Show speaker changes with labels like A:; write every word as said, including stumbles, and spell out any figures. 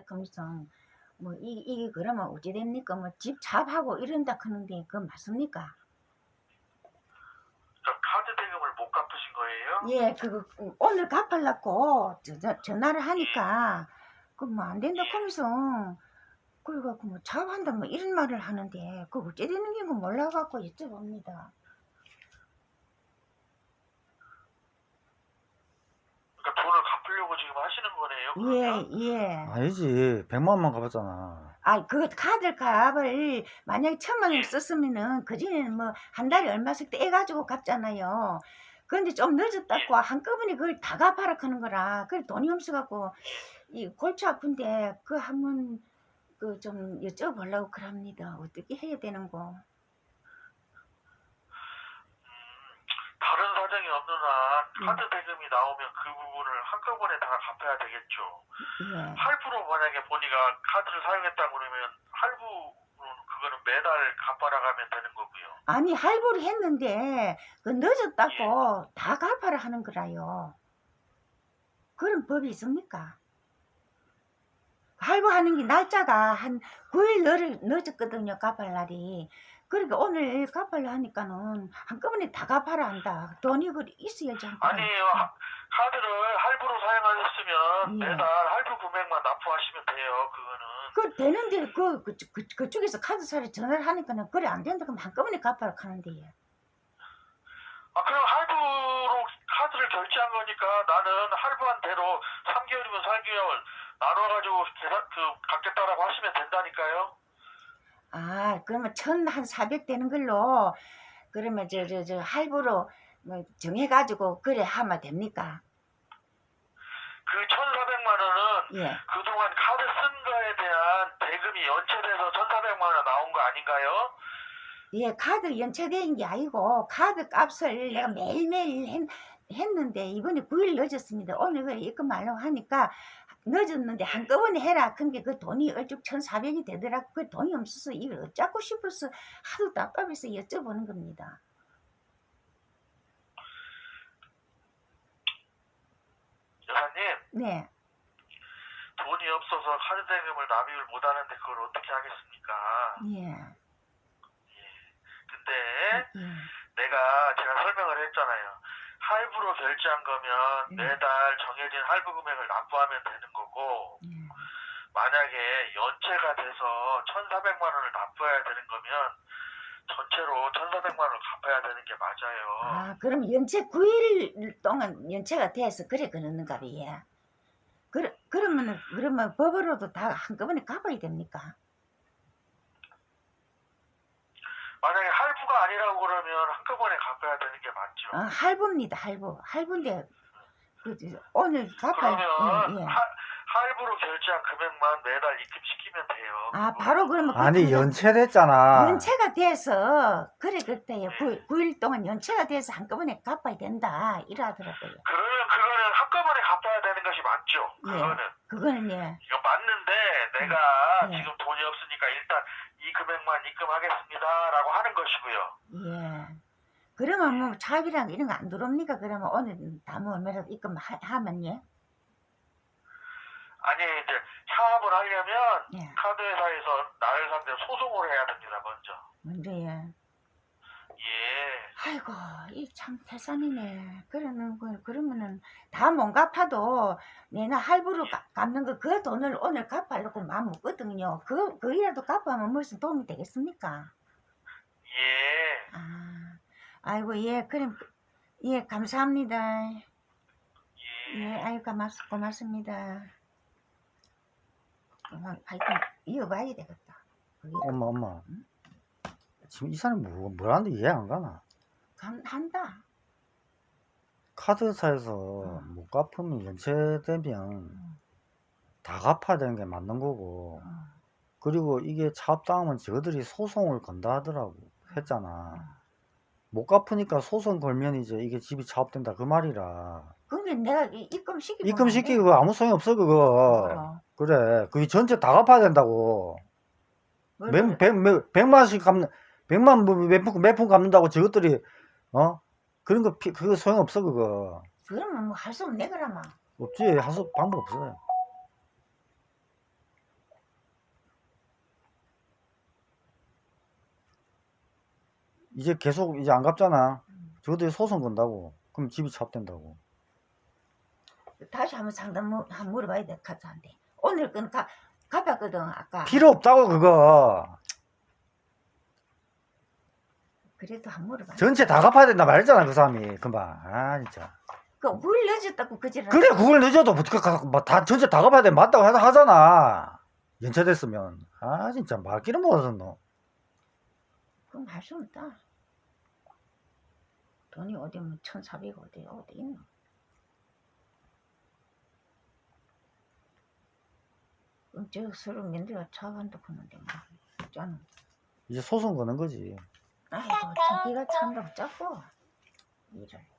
A: 하면서 뭐 이 이게 그러면 어찌 됩니까? 뭐 집 잡하고 이런다 하는데 그거 맞습니까?
B: 저 카드 대금을 못 갚으신 거예요?
A: 예, 그거 오늘 갚으려고 저, 저, 전화를
B: 예.
A: 하니까 그 뭐 안 된다
B: 예.
A: 하면서 그래갖고 뭐 잡한다 뭐 이런 말을 하는데 그거 어찌 되는 게 몰라갖고 여쭤봅니다.
B: 그러니까 돈을 갚으려고 지금 하시는 거네요, 그러면?
A: 예, 예.
C: 아니지. 백만 원만 갚았잖아.
A: 아, 그 카드 값을 만약에 천만 원을
B: 예.
A: 썼으면은 그전에는 뭐 한 달에 얼마씩 떼가지고 갚잖아요. 그런데 좀
B: 예.
A: 늦었다고 한꺼번에 그걸 다 갚아라 하는 거라. 그래 돈이 없어갖고 이 골치 아픈데 그 한번 그 좀 여쭤보려고 그럽니다. 어떻게 해야 되는 거?
B: 다른 사정이 없는 한 카드
A: 음.
B: 대금이 나오면 그 부분을 한꺼번에 다 갚아야 되겠죠.
A: 예.
B: 할부로 만약에 본이가 카드를 사용했다 그러면 할부는 그거는 매달 갚아나가면 되는 거고요.
A: 아니 할부를 했는데 그 늦었다고 다 갚아라 하는 거라요. 그런 법이 있습니까? 할부하는 게 날짜가 한 구 일 늦었거든요. 갚을 날이. 그러니까 오늘 갚으려 하니까는 한꺼번에 다 갚아라 한다. 돈이 그 있어야지 한꺼번에.
B: 아니에요. 하- 카드를 할부로 사용하셨으면
A: 예.
B: 매달 할부 금액만 납부하시면 돼요. 그거는.
A: 그 되는데 그, 그, 그, 그쪽에서 카드사를 전화를 하니까는 그래 안 된다 그럼 한꺼번에 갚아라 하는데요.
B: 아, 그럼 할부로 카드를 결제한 거니까 나는 할부한 대로 삼 개월이면 삼 개월 나눠가지고 계산, 그, 갚겠다라고 하시면 된다니까요.
A: 아, 그러면 천 한 사백 되는 걸로 그러면 저 저 저 할부로 뭐 정해가지고 그래 하면 됩니까?
B: 그 천사백만 원은
A: 예.
B: 그동안 카드 쓴 거에 대한 대금이 연체돼서 천사백만 원 나온 거 아닌가요?
A: 예, 카드 연체된 게 아니고 카드 값을 내가 매일매일 했, 했는데 이번에 구 일 늦었습니다. 오늘 그 입금하려고 하니까 늦었는데 한꺼번에 해라. 근데 그 돈이 얼쭉 천사백이 되더라. 그 돈이 없어서 이걸 어쩌고 싶어서 하도 답답해서 여쭤보는 겁니다.
B: 여사님,
A: 네.
B: 돈이 없어서 카드 대금을 납입을 못 하는데 그걸 어떻게 하겠습니까?
A: 예.
B: 근데
A: 예.
B: 내가 제가 설명을 했잖아요. 할부로 결제한 거면
A: 음.
B: 매달 정해진 할부 금액을 납부하면 되는 거고,
A: 예.
B: 만약에 연체가 돼서 천사백만 원을 납부해야 되는 거면 전체로 천사백만 원을 갚아야 되는 게 맞아요.
A: 아, 그럼 연체 구 일 동안 연체가 돼서 그래 그러는가 봐요. 예. 그러, 그러면은 그러면 법으로도 다 한꺼번에 갚아야 됩니까?
B: 만약에 할부가 아니라고 그러면 한꺼번에 갚아야 되는 게 맞죠.
A: 아, 할부입니다. 할부. 할부인데 그 저, 오늘 갚아야.
B: 그러면
A: 예, 예.
B: 하, 할부로 결제한 금액만 매달 입금시키면 돼요.
A: 아,
B: 그거.
A: 바로 그러면
C: 아니,
A: 그때는
C: 연체됐잖아.
A: 연체가 돼서 그래 그때요. 구 일 동안 연체가 돼서 한꺼번에 갚아야 된다 이러더라고요.
B: 그러면 그거는 한꺼번에 갚아야 되는 것이 맞죠.
A: 예.
B: 그거는.
A: 그거는 예.
B: 이거 맞는데 내가
A: 예.
B: 지금 돈이 없으니까 일단 이 금액만 입금하겠습니다라고 하는 것이고요.
A: 예. 그러면 뭐 차비랑 이런 거 안 들어옵니까? 그러면 오늘 다뭐 얼마라도 입금하면 예.
B: 아니 이제 사업을 하려면
A: 예.
B: 카드회사에서 나를 상대로 소송을 해야 됩니다. 먼저.
A: 먼저 예.
B: 예.
A: 아이고 이 참 태산이네. 그러는 거 그러면은 다 못 갚아도 내가 할부로 가- 갚는 거 그 돈을 오늘 갚으려고 마음 먹거든요. 그 그이라도 갚으면 무슨 도움이 되겠습니까?
B: 예.
A: 아, 아이고 예 그럼 예 감사합니다.
B: 예.
A: 예, 아유 고맙 고맙습니다. 그만 하여튼 이어봐야 되겠다. 그게
C: 엄마, 엄마. 지금 이 사람이 뭐, 뭘 하는데 이해 안 가나?
A: 간, 한다.
C: 카드사에서 못 갚으면 연체되면 다 갚아야 되는 게 맞는 거고,
A: 어,
C: 그리고 이게 차업당하면 저들이 소송을 건다 하더라고. 했잖아. 못 갚으니까 소송 걸면 이제 이게 집이 차업된다 그 말이라.
A: 그게 내가 이- 입금시키고
C: 입금시키고 그거 아무 소용이 없어 그거. 그래 그게 전체 다 갚아야 된다고. 몇, 백, 몇, 백만씩 갚는 백만 몇푼 몇푼 갚는다고 저것들이 어 그런 거 피, 그거 소용 없어 그거.
A: 그러면 뭐 할 수 없네 그러면.
C: 없지. 할 수 방법 없어요. 이제 계속 이제 안 갚잖아. 저것들이 소송 건다고. 그럼 집이 찹된다고.
A: 다시 한번 상담 물- 한번 물어봐야 될 것 같은데. 오늘 건 가, 갚았거든 아까.
C: 필요 없다고 그거.
A: 그래도 한번 물어봐.
C: 전체 다 갚아야 된다 말했잖아 그 사람이 금방. 아 진짜.
A: 그 구일 늦었다고 그지를.
C: 그래 그걸 늦어도 뭐다 전체 다 갚아야 돼 맞다고 하- 하잖아. 연체됐으면. 아 진짜 말귀를 못하셨노.
A: 그럼 할 수 없다. 돈이 어디 뭐 천사백 어디 어디 있노. 그럼 저 서로 민들가 차간다 그러는데 뭐. 저는
C: 이제 소송 거는 거지.
A: 아이고 자기가 참다고 짜고 일을.